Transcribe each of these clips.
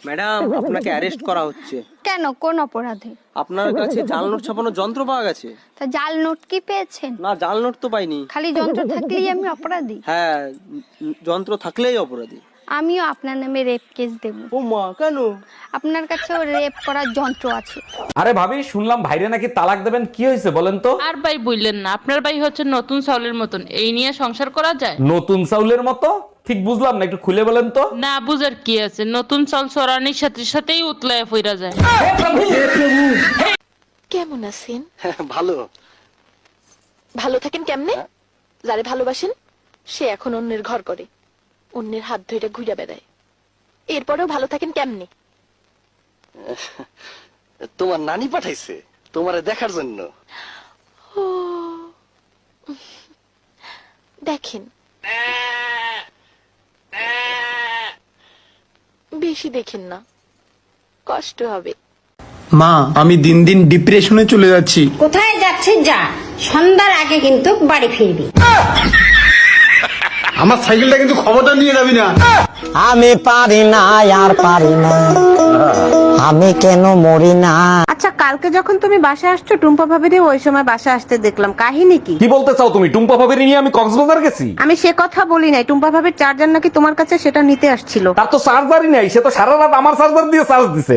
Madam, আপনাকে arrest করা হচ্ছে। কেন, কোন অপরাধে? আপনার কাছে জাল নোট ছাপানোর যন্ত্র পাওয়া গেছে। তা জাল নোট কি পেয়েছেন? না, জাল নোট তো পাইনি। খালি যন্ত্র থাকলেই আমি অপরাধী? হ্যাঁ, যন্ত্র থাকলেই অপরাধী। আমিও আপনার নামে রেপ কেস দেব। ও মা, কেন? আপনার কাছেও রেপ করার যন্ত্র আছে। আরে ভাবি, শুনলাম ভাইরে নাকি তালাক দেবেন, কি হয়েছে বলেন তো? আর ভাই বললেন না, আপনার ভাই হচ্ছে নতুন চাউলের মতন, এই নিয়ে সংসার করা যায়? নতুন চাউলের মতো? ঠিক বুঝলাম না, একটু খুলে বলেন তো। না বুঝার কি আছে, নতুন চাল চড়ানির সাথে সাথেই উতলায় ফিরা যায়। কেমন আছেন? ভালো। ভালো থাকেন কেমনে? যারে ভালোবাসেন সে এখন অন্যের ঘর করে, অন্যের হাত ধরে ঘুরে বেড়ায়, এরপরেও ভালো থাকেন কেমনে? তোমার নানি পাঠাইছে তোমারে দেখার জন্য। ও দেখেন, বেশি দেখেন না, কষ্ট হবে। মা, আমি দিন দিন ডিপ্রেশনে চলে যাচ্ছি। কোথায় যাচ্ছিস যা, সন্ধ্যার আগে কিন্তু বাড়ি ফিরবি। আমার সাইকেলটা কিন্তু খবরটা নিয়ে যাবি না। আমি পারি না, আর পারি না, আমি কেন মরি না। আচ্ছা, কালকে যখন তুমি বাসায় আসছো টুম্পা ভাবিরে ওই সময় বাসায় আসতে দেখলাম, কাহিনী কি? কি বলতে চাও তুমি? টুম্পা ভাবির নিয়ে আমি কক্সবাজার গেছি? আমি সে কথা বলি নাই, টুম্পা ভাবির চার্জার নাকি তোমার কাছে, সেটা নিতে আসছিল। তার তো চার্জারই নাই, সে তো সারা রাত আমার চার্জার দিয়ে চার্জ দিছে।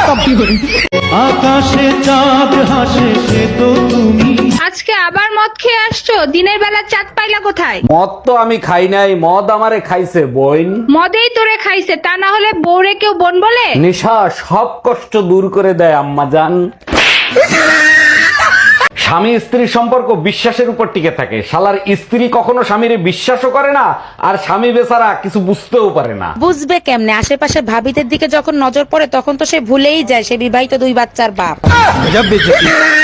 আকাশে চাঁদ হাসে সে তো তুমি। আজকে আবার মদ খেয়ে আসছো, দিনের বেলা চাঁদ পাইলা কোথায়? মদ তো আমি খাই নাই, মদ আমারে খাইছে বোন। মদেই তোরে খাইছে, তা না হলে বউরে কেউ বোন বলে? নেশা সব কষ্ট দূর করে দেয় আম্মা জান। স্বামী স্ত্রীর সম্পর্ক বিশ্বাসের উপর টিকে থাকে। শালার স্ত্রী কখনো স্বামীরে বিশ্বাসও করে না, আর স্বামী বেচারা কিছু বুঝতেও পারে না। বুঝবে কেমনে? আশেপাশে ভাবিদের দিকে যখন নজর পড়ে তখন তো সে ভুলেই যায় সে বিবাহিত 2 বাচ্চার বাপ।